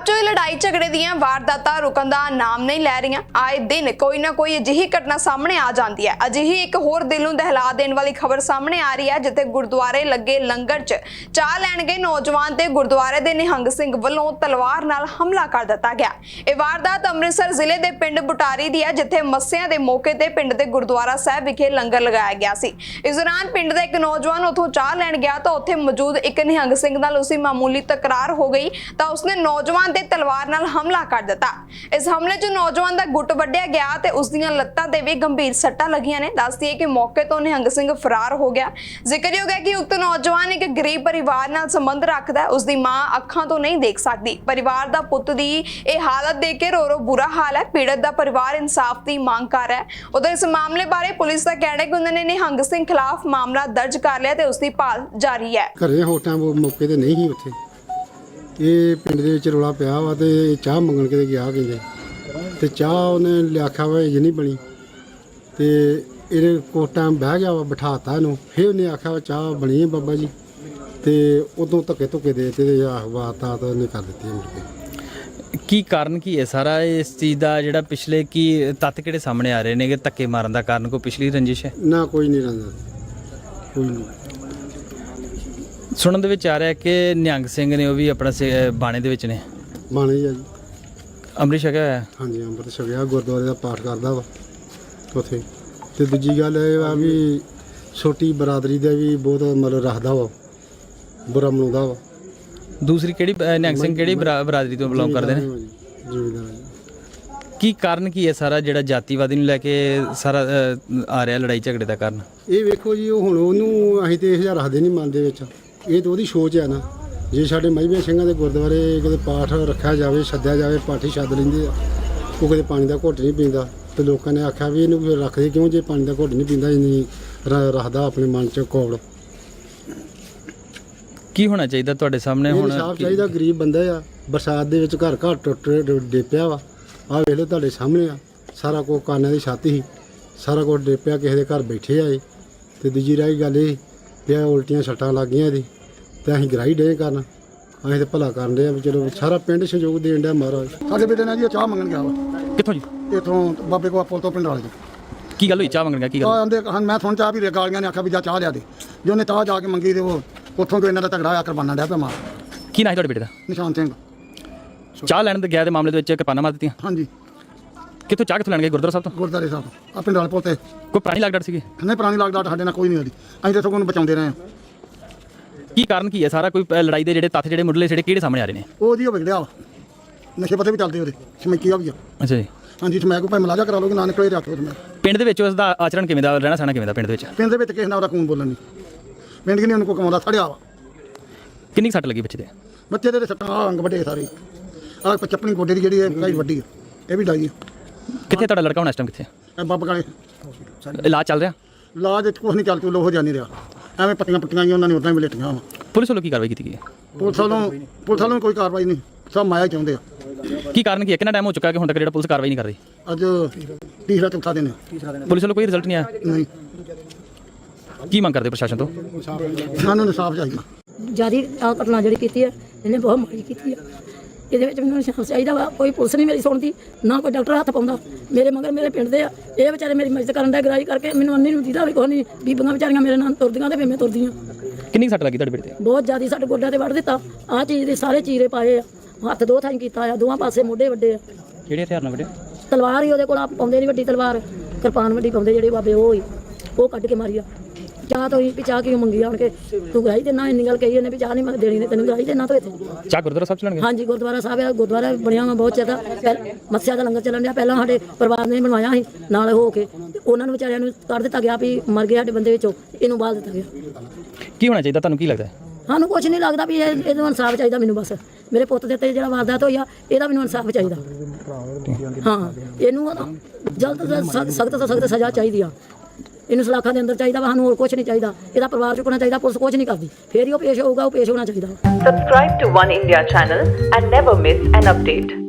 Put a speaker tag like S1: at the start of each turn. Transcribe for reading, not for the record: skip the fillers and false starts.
S1: चो लड़ाई झगड़े ਦੀਆਂ ਵਾਰਦਾਤਾਂ ਰੁਕਣ ਦਾ ਨਾਮ ਨਹੀਂ ਲੈ ਰਹੀਆਂ। ਆਏ ਦਿਨ ਕੋਈ ਨਾ ਕੋਈ ਅਜਿਹੀ ਘਟਨਾ ਸਾਹਮਣੇ ਆ ਜਾਂਦੀ ਹੈ। ਅਜਿਹੀ ਇੱਕ ਹੋਰ ਦਿਲ ਨੂੰ ਦਹਿਲਾ ਦੇਣ ਵਾਲੀ ਖਬਰ ਸਾਹਮਣੇ ਆ ਰਹੀ ਹੈ, ਜਿੱਥੇ ਗੁਰਦੁਆਰੇ ਲੱਗੇ ਲੰਗਰ 'ਚ ਚਾਹ ਲੈਣ ਗਏ ਨੌਜਵਾਨ ਤੇ ਗੁਰਦੁਆਰੇ ਦੇ ਨਿਹੰਗ ਸਿੰਘ ਵੱਲੋਂ ਤਲਵਾਰ ਨਾਲ ਹਮਲਾ ਕਰ ਦਿੱਤਾ ਗਿਆ। ਇਹ ਵਾਰਦਾਤ ਅੰਮ੍ਰਿਤਸਰ ਜ਼ਿਲ੍ਹੇ ਦੇ ਪਿੰਡ ਬੁਟਾਰੀ ਦੀ ਹੈ, ਜਿੱਥੇ ਮੱਸਿਆਂ ਦੇ ਮੌਕੇ ਤੇ ਪਿੰਡ ਦੇ ਗੁਰਦੁਆਰਾ ਸਾਹਿਬ ਵਿਖੇ ਲੰਗਰ ਲਗਾਇਆ ਗਿਆ ਸੀ। ਇਸ ਦੌਰਾਨ ਪਿੰਡ ਦਾ ਇੱਕ ਨੌਜਵਾਨ ਉੱਥੋਂ ਚਾਹ ਲੈਣ ਗਿਆ ਤਾਂ ਉੱਥੇ ਮੌਜੂਦ ਇੱਕ ਨਿਹੰਗ ਸਿੰਘ ਨਾਲ ਉਸਦੀ ਮਾਮੂਲੀ ਤਕਰਾਰ ਹੋ ਗਈ ਤਾਂ ਉਸਨੇ ਨੌਜਵਾਨ ਤੇ ਤਲਵਾਰ ਨਾਲ ਹਮਲਾ ਕਰ ਦਿੱਤਾ। ਇਸ ਹਮਲੇ 'ਚ ਨੌਜਵਾਨ ਦਾ ਗੁੱਟ ਵੱਢਿਆ ਗਿਆ ਤੇ ਉਸ ਦੀਆਂ ਲੱਤਾਂ ਤੇ ਵੀ ਗੰਭੀਰ ਸੱਟਾਂ ਲੱਗੀਆਂ ਨੇ। ਦੱਸਦੀ ਹੈ ਕਿ ਮੌਕੇ ਤੋਂ ਨਿਹੰਗ ਸਿੰਘ ਫਰਾਰ ਹੋ ਗਿਆ। ਜ਼ਿਕਰਯੋਗ ਹੈ ਕਿ ਉਕਤ ਨੌਜਵਾਨ ਇੱਕ ਗਰੀਬ ਪਰਿਵਾਰ ਨਾਲ ਸੰਬੰਧ ਰੱਖਦਾ ਹੈ। ਉਸਦੀ ਮਾਂ ਅੱਖਾਂ ਤੋਂ ਨਹੀਂ ਦੇਖ ਸਕਦੀ। ਪਰਿਵਾਰ ਦਾ ਪੁੱਤ ਦੀ ਇਹ ਹਾਲਤ ਦੇਖ ਕੇ ਰੋ ਬੁਰਾ ਹਾਲ ਹੈ। ਪੀੜਤ ਦਾ ਪਰਿਵਾਰ ਇਨਸਾਫ ਦੀ ਮੰਗ ਕਰ ਰਿਹਾ ਹੈ। ਉਧਰ ਇਸ ਮਾਮਲੇ ਬਾਰੇ ਪੁਲਿਸ ਦਾ ਕਹਿਣਾ ਹੈ ਕਿ ਉਹਨਾਂ ਨੇ ਨਿਹੰਗ ਸਿੰਘ ਖਿਲਾਫ ਮਾਮਲਾ ਦਰਜ ਕਰ ਲਿਆ ਤੇ ਉਸ ਦੀ ਭਾਲ ਜਾਰੀ ਹੈ।
S2: ਘਰੇ ਹੋਟਾਂ ਮੌਕੇ ਤੇ ਨਹੀਂ ਸੀ ਉੱਥੇ। ਇਹ ਪਿੰਡ ਦੇ ਵਿੱਚ ਰੌਲਾ ਪਿਆ ਵਾ ਤੇ ਚਾਹ ਮੰਗਣ ਕਿਤੇ ਗਿਆ ਕਹਿੰਦੇ ਤੇ ਚਾਹ ਉਹਨੇ ਆਖਿਆ ਵਾ ਇਹ ਨਹੀਂ ਬਣੀ ਤੇ ਇਹਨੇ ਕੁਛ ਟਾਈਮ ਬਹਿ ਗਿਆ ਵਾ, ਬਿਠਾਤਾ ਇਹਨੂੰ। ਫਿਰ ਉਹਨੇ ਆਖਿਆ ਵਾ ਚਾਹ ਬਣੀ ਹੈ ਬਾਬਾ ਜੀ ਤੇ ਉਦੋਂ ਧੱਕੇ ਧੁੱਕੇ ਦੇ ਤੇ ਵਾਰਦਾਤ ਉਹਨੇ ਕਰ ਦਿੱਤੀ ਮੁੜ ਕੇ।
S3: ਕੀ ਕਾਰਨ ਕੀ ਹੈ ਸਾਰਾ ਇਸ ਚੀਜ਼ ਦਾ, ਜਿਹੜਾ ਪਿਛਲੇ ਕੀ ਤੱਤ ਕਿਹੜੇ ਸਾਹਮਣੇ ਆ ਰਹੇ ਨੇ ਕਿ ਧੱਕੇ ਮਾਰਨ ਦਾ ਕਾਰਨ ਕੋਈ ਪਿਛਲੀ ਰੰਜਿਸ਼ ਹੈ?
S2: ਨਾ ਕੋਈ ਨਹੀਂ ਰਹਿੰਦਾ, ਕੋਈ ਨਹੀਂ।
S3: ਸੁਣਨ ਦੇ ਵਿੱਚ ਆ ਰਿਹਾ ਕਿ ਨਿਹੰਗ ਸਿੰਘ ਨੇ ਉਹ ਵੀ ਆਪਣਾ ਬਾਣੇ ਦੇ ਵਿੱਚ ਨੇ।
S2: ਬਾਣੇ ਜੀ
S3: ਅੰਮ੍ਰਿਤ ਛਕਿਆ ਹੋਇਆ?
S2: ਹਾਂਜੀ, ਅੰਮ੍ਰਿਤ ਛਕਿਆ, ਗੁਰਦੁਆਰੇ ਦਾ ਪਾਠ ਕਰਦਾ ਵਾ ਉੱਥੇ। ਤੇ ਦੂਜੀ ਗੱਲ ਇਹ ਵਾ ਵੀ ਛੋਟੀ ਬਰਾਦਰੀ ਦਾ ਵੀ ਬਹੁਤ ਮਤਲਬ ਰੱਖਦਾ ਵਾ, ਬੁਰਾ ਮਨਾਉਂਦਾ ਵਾ।
S3: ਦੂਸਰੀ ਕਿਹੜੀ ਨਿਹੰਗ ਸਿੰਘ ਕਿਹੜੀ ਬਰਾਦਰੀ ਤੋਂ ਬਿਲੋਂਗ ਕਰਦੇ ਨੇ?
S2: ਜ਼ਿਮੀਂਦਾਰ।
S3: ਕੀ ਕਾਰਨ ਕੀ ਹੈ ਸਾਰਾ ਜਿਹੜਾ ਜਾਤੀਵਾਦੀ ਨੂੰ ਲੈ ਕੇ ਸਾਰਾ ਆ ਰਿਹਾ ਲੜਾਈ ਝਗੜੇ ਦਾ ਕਾਰਨ?
S2: ਇਹ ਵੇਖੋ ਜੀ, ਉਹ ਹੁਣ ਉਹਨੂੰ ਅਸੀਂ ਤੇ ਇਹ ਰੱਖਦੇ ਨਹੀਂ ਮਨ ਦੇ ਵਿੱਚ। ਇਹ ਤਾਂ ਉਹਦੀ ਸੋਚ ਹੈ ਨਾ। ਜੇ ਸਾਡੇ ਮਜ਼੍ਹਬੀ ਸਿੰਘਾਂ ਦੇ ਗੁਰਦੁਆਰੇ ਕਿਤੇ ਪਾਠ ਰੱਖਿਆ ਜਾਵੇ, ਸੱਦਿਆ ਜਾਵੇ, ਪਾਠੀ ਸੱਦ ਲੈਂਦੇ ਆ, ਉਹ ਕਿਤੇ ਪਾਣੀ ਦਾ ਘੁੱਟ ਨਹੀਂ ਪੀਂਦਾ ਤੇ ਲੋਕਾਂ ਨੇ ਆਖਿਆ ਵੀ ਇਹਨੂੰ ਰੱਖਦੇ ਕਿਉਂ ਜੇ ਪਾਣੀ ਦਾ ਘੁੱਟ ਨਹੀਂ ਪੀਂਦਾ, ਇੰਨੀ ਰੱਖਦਾ ਆਪਣੇ ਮਨ 'ਚ ਕੌੜ।
S3: ਕੀ ਹੋਣਾ ਚਾਹੀਦਾ ਤੁਹਾਡੇ ਸਾਹਮਣੇ ਹੁਣ?
S2: ਇਨਸਾਫ ਚਾਹੀਦਾ। ਗਰੀਬ ਬੰਦਾ ਆ, ਬਰਸਾਤ ਦੇ ਵਿੱਚ ਘਰ ਟੁੱਟ ਡੇਪਿਆ ਵਾ। ਆਹ ਵੇਖ ਲਓ ਤੁਹਾਡੇ ਸਾਹਮਣੇ ਆ, ਸਾਰਾ ਕੁਝ ਕਾਨਾਂ ਦੀ ਛੱਤ ਸੀ, ਸਾਰਾ ਕੁਝ ਡੇਪਿਆ, ਕਿਸੇ ਦੇ ਘਰ ਬੈਠੇ ਆਏ। ਤੇ ਦੂਜੀ ਰਹੀ ਗੱਲ ਇਹ ਵੀ ਉਲਟੀਆਂ ਸੱਟਾਂ ਲੱਗ ਗਈਆਂ ਇਹਦੀ ਤੇ ਅਸੀਂ ਗਰਾਈ ਡੇ ਕਰਨ, ਅਸੀਂ ਤੇ ਭਲਾ ਕਰਨ ਦੇ ਆ ਵੀ ਚਲੋ ਸਾਰਾ ਪਿੰਡ ਸਹਿਯੋਗ ਦੇਣ ਡਿਆ ਮਹਾਰਾਜ।
S4: ਸਾਡੇ ਬੇਟੇ ਨੇ ਜੀ ਚਾਹ ਮੰਗਣ ਗਿਆ ਵਾ।
S3: ਕਿੱਥੋਂ ਜੀ?
S4: ਇੱਥੋਂ ਬਾਬੇ ਕੋਲ ਪੁੱਲ ਤੋਂ ਪਿੰਡ ਵਾਲੇ ਜੀ।
S3: ਕੀ ਗੱਲ ਹੋਈ? ਚਾਹ ਮੰਗਣ ਗਿਆ? ਕੀ ਗੱਲ?
S4: ਆਂਦੇ ਮੈਂ ਸੁਣ ਚਾਹ ਵੀ ਗਾਲੀਆਂ ਨੇ ਆਖਿਆ ਵੀ ਜਾ ਚਾਹ ਲਿਆ ਦੇ। ਜੇ ਉਹਨੇ ਚਾਹ ਜਾ ਕੇ ਮੰਗੀ ਤੇ ਉਹ ਉੱਥੋਂ ਤੋਂ ਇਹਨਾਂ ਦਾ ਝਗੜਾ ਆ ਕਰਵਾਨਾ ਡਿਆ ਪਿਆ ਮਾਰ।
S3: ਕੀ ਨਾਂ ਹੈ ਤੁਹਾਡੇ ਬੇਟੇ ਦਾ?
S4: ਨਿਸ਼ਾਨ ਸਿੰਘ।
S3: ਚਾਹ ਲੈਣ ਦੇ ਗਿਆ ਦੇ ਮਾਮਲੇ ਦੇ ਵਿੱਚ ਕਿਰਪਾਨਾਂ ਮਾਰ ਦਿੱਤੀਆਂ?
S4: ਹਾਂਜੀ।
S3: ਕਿੱਥੋਂ ਚਾਹ ਕਿੱਥੋਂ ਲੈਣ ਗਏ? ਗੁਰਦੁਆਰਾ ਸਾਹਿਬ ਤੋਂ?
S4: ਗੁਰਦਾਰੇ ਸਾਹਿਬ ਆ ਪਿੰਡ ਵਾਲੇ ਪੁੱਲ ਤੇ।
S3: ਕੋਈ ਪੁਰਾਣੀ ਲਾਗਡਾਟ ਸੀਗੀ?
S4: ਨਹੀਂ, ਪੁਰਾਣੀ ਲਾਗਡਾਟ ਸਾਡੇ ਨਾਲ ਕੋਈ ਨਹੀਂ ਹੋਦੀ। ਅਸੀਂ ਤਾਂ ਸਗੋਂ ਉਹਨੂੰ ਬਚਾਉਂਦੇ ਰਹੇ ਹਾਂ।
S3: ਕੀ ਕਾਰਨ ਕੀ ਹੈ ਸਾਰਾ? ਕੋਈ ਲੜਾਈ ਦੇ ਜਿਹੜੇ ਤੱਥ ਜਿਹੜੇ ਮੁੱਢਲੇ ਜਿਹੜੇ ਕਿਹੜੇ ਸਾਹਮਣੇ ਆ ਰਹੇ ਨੇ?
S4: ਉਹ ਜੀ ਉਹ ਵਿਗੜਿਆ ਵਾ, ਨਸ਼ੇ ਪੱਤੇ ਵੀ ਚੱਲਦੇ ਉਹਦੇ, ਸਮੈਕੀਆ ਵੀ ਆ।
S3: ਅੱਛਾ ਜੀ।
S4: ਹਾਂਜੀ, ਸਮੈਕ ਭਾਵੇਂ ਮਲਾਜਾ ਕਰਾ ਲੋਗੇ, ਨਾ ਨਿਕਲੇ ਰੱਖ ਲਓ।
S3: ਪਿੰਡ ਦੇ ਵਿੱਚ ਉਸ ਦਾ ਆਚਰਣ ਕਿਵੇਂ ਦਾ, ਰਹਿਣਾ ਸਹਿਣਾ ਕਿਵੇਂ ਦਾ ਪਿੰਡ ਦੇ ਵਿੱਚ?
S4: ਪਿੰਡ ਦੇ ਵਿੱਚ ਕਿਸੇ ਨਾਲ ਉਹਦਾ ਖੂਨ ਬੋਲਣ ਨਹੀਂ। ਪਿੰਡ ਕਿ ਨਹੀਂ ਉਹਨੂੰ ਕੋਈ ਕਮਾਉਂਦਾ, ਸੜਿਆ ਵਾ।
S3: ਕਿੰਨੀ ਸੱਟ ਲੱਗੀ ਬੱਚੇ ਦੇ?
S4: ਬੱਚੇ ਦੇ ਸੱਟਾਂ ਅੰਗ ਵੱਡੇ ਸਾਰੇ। ਆਹ ਚੱਪਣੀ ਗੋਡੇ ਦੀ ਜਿਹੜੀ ਹੈ ਕਾਈ ਵੱਡੀ ਆ, ਇਹ ਵੀ ਡਾਈ ਆ।
S3: ਕਿੱਥੇ ਤੁਹਾਡਾ ਲੜਕਾ ਹੁਣ ਇਸ ਟਾਈਮ ਕਿੱਥੇ?
S4: ਇਹ ਬੱਬ ਕਾਲੇ
S3: ਇਲਾਜ ਚੱਲ ਰਿਹਾ?
S4: ਲਾਜ ਵਿੱਚ ਕੁਛ ਨਹੀਂ ਚੱਲ ਚੁੱਲੋ ਹੋ ਜਾਣੀ ਰਿਹਾ। ਐਵੇਂ ਪੱਟੀਆਂ ਆਈਆਂ ਉਹਨਾਂ ਨੇ ਉਦਾਂ ਹੀ ਲੇਟੀਆਂ ਵਾ।
S3: ਪੁਲਿਸ ਵੱਲੋਂ ਕੀ ਕਾਰਵਾਈ ਕੀਤੀ ਗਈ ਹੈ?
S4: ਪੁਲਿਸ ਵੱਲੋਂ ਕੋਈ ਕਾਰਵਾਈ ਨਹੀਂ, ਸਭ ਮਾਇਆ ਚਾਹੁੰਦੇ ਆ।
S3: ਕੀ ਕਾਰਨ ਕੀ ਹੈ? ਕਿੰਨਾ ਟਾਈਮ ਹੋ ਚੁੱਕਾ ਕਿ ਹੁਣ ਤੱਕ ਜਿਹੜਾ ਪੁਲਿਸ ਕਾਰਵਾਈ ਨਹੀਂ ਕਰ ਰਹੀ?
S4: ਅੱਜ ਤੀਸਰਾ ਚੌਥਾ ਦਿਨ ਹੈ।
S3: ਪੁਲਿਸ ਵੱਲੋਂ ਕੋਈ ਰਿਜ਼ਲਟ ਨਹੀਂ ਆਇਆ?
S4: ਨਹੀਂ।
S3: ਕੀ ਮੰਗ ਕਰਦੇ ਪ੍ਰਸ਼ਾਸਨ ਤੋਂ?
S4: ਸਾਨੂੰ ਇਨਸਾਫ ਚਾਹੀਦਾ।
S5: ਜਿਆਦੀ ਆਹ ਘਟਨਾ ਜਿਹੜੀ ਕੀਤੀ ਹੈ ਇਹਨੇ ਬਹੁਤ ਮਾੜੀ ਕੀਤੀ ਹੈ। ਇਹਦੇ ਵਿੱਚ ਮੈਨੂੰ ਇਨਸਾਫ ਚਾਹੀਦਾ ਵਾ। ਕੋਈ ਪੁਲਿਸ ਨਹੀਂ ਮੇਰੀ ਸੁਣਦੀ, ਨਾ ਕੋਈ ਡਾਕਟਰ ਹੱਥ ਪਾਉਂਦਾ। ਮੇਰੇ ਮਗਰ ਮੇਰੇ ਪਿੰਡ ਦੇ ਆ, ਇਹ ਵਿਚਾਰੇ ਮੇਰੀ ਮਦਦ ਕਰਨ ਦਾ ਗਰਾਈ ਕਰਕੇ ਮੈਨੂੰ ਅੰਨੀ ਨੂੰ ਦੀਦਾ ਵੀ ਕੋਈ ਨਹੀਂ। ਬੀਬੀਆਂ ਵਿਚਾਰੀਆਂ ਮੇਰੇ ਨਾਲ ਤੁਰਦੀਆਂ ਤੇ ਫਿਰ ਮੈਂ ਤੁਰਦੀਆਂ।
S3: ਕਿੰਨੀ ਸੱਟ ਲੱਗੀ ਤੁਹਾਡੇ ਬੇਟੇ ਤੇ?
S5: ਬਹੁਤ ਜ਼ਿਆਦਾ ਸਾਡੇ ਗੋਡਿਆਂ ਤੇ ਵੱਢ ਦਿੱਤਾ। ਆਹ ਚੀਜ਼ ਦੇ ਸਾਰੇ ਚੀਰੇ ਪਾਏ ਆ, ਹੱਥ ਦੋ ਥਾਈਂ ਕੀਤਾ ਆ, ਦੋਵਾਂ ਪਾਸੇ ਮੋਢੇ ਵੱਡੇ ਆ।
S3: ਕਿਹੜੇ ਹਥਿਆਰ ਨਾਲ ਵੱਢੇ?
S5: ਤਲਵਾਰ ਹੀ ਉਹਦੇ ਕੋਲ ਆਪ ਪਾਉਂਦੇ ਨਹੀਂ, ਵੱਡੀ ਤਲਵਾਰ, ਕਿਰਪਾਨ ਵੱਡੀ ਪਾਉਂਦੇ ਜਿਹੜੇ ਬਾਬੇ, ਉਹ ਕੱਢ ਕੇ ਮਾਰੀ ਆ। ਚਾਹ ਤੋਂ ਹੀ ਵੀ ਚਾਹ ਕਿਉਂ ਮੰਗੀ ਆਣ ਕੇ? ਤੂੰ ਗਰਾਈ ਤੇ ਨਾ ਇੰਨੀ ਗੱਲ ਕਹੀ ਉਹਨੇ ਵੀ ਚਾਹ ਨਹੀਂ ਦੇਣੀ ਨੇ ਤੈਨੂੰ, ਗਰਾਈ ਤੇ ਨਾ ਤੋਂ ਇੱਥੇ
S3: ਚਾਹ ਗੁਰਦੁਆਰਾ ਸਾਹਿਬ ਚਲਾਣਗੇ?
S5: ਹਾਂਜੀ, ਗੁਰਦੁਆਰਾ ਸਾਹਿਬ ਆ। ਗੁਰਦੁਆਰਾ ਬਣਿਆ ਵਾ ਬਹੁਤ ਜ਼ਿਆਦਾ। ਮੱਸਿਆ ਦਾ ਲੰਗਰ ਚੱਲਣ ਡਿਆ। ਪਹਿਲਾਂ ਸਾਡੇ ਪਰਿਵਾਰ ਨੇ ਬਣਵਾਇਆ ਸੀ ਨਾਲ ਹੋ ਕੇ, ਉਹਨਾਂ ਨੂੰ ਵਿਚਾਰਿਆਂ ਨੂੰ ਕਰ ਦਿੱਤਾ ਗਿਆ ਵੀ ਮਰ ਗਏ ਸਾਡੇ ਬੰਦੇ ਵਿੱਚੋਂ, ਇਹਨੂੰ ਬਾਲ ਦਿੱਤਾ ਗਿਆ।
S3: ਕੀ ਹੋਣਾ ਚਾਹੀਦਾ ਤੁਹਾਨੂੰ? ਕੀ ਲੱਗਦਾ?
S5: ਸਾਨੂੰ ਕੁਝ ਨਹੀਂ ਲੱਗਦਾ ਵੀ ਇਹਨੂੰ ਇਨਸਾਫ ਚਾਹੀਦਾ ਮੈਨੂੰ। ਬਸ ਮੇਰੇ ਪੁੱਤ ਦੇ ਤੇ ਜਿਹੜਾ ਵਾਰਦਾਤ ਹੋਈ ਆ, ਇਹਦਾ ਮੈਨੂੰ ਇਨਸਾਫ ਚਾਹੀਦਾ। ਹਾਂ, ਇਹਨੂੰ ਜਲਦ ਤੋਂ ਸਖਤ ਤੋਂ ਸਖਤ ਸਜ਼ਾ ਚਾਹੀਦੀ ਆ। ਇਹਨੂੰ ਸਲਾਖਾਂ ਦੇ ਅੰਦਰ ਚਾਹੀਦਾ ਵਾ। ਸਾਨੂੰ ਹੋਰ ਕੁਝ ਨਹੀਂ ਚਾਹੀਦਾ। ਇਹਦਾ ਪਰਿਵਾਰ ਚੁੱਕਣਾ ਚਾਹੀਦਾ। ਪੁਲਿਸ ਕੁਝ ਨਹੀਂ ਕਰਦੀ, ਫੇਰ ਹੀ ਉਹ ਪੇਸ਼ ਹੋਊਗਾ। ਉਹ ਪੇਸ਼ ਹੋਣਾ ਚਾਹੀਦਾ।
S6: Subscribe to One India channel and never miss an update.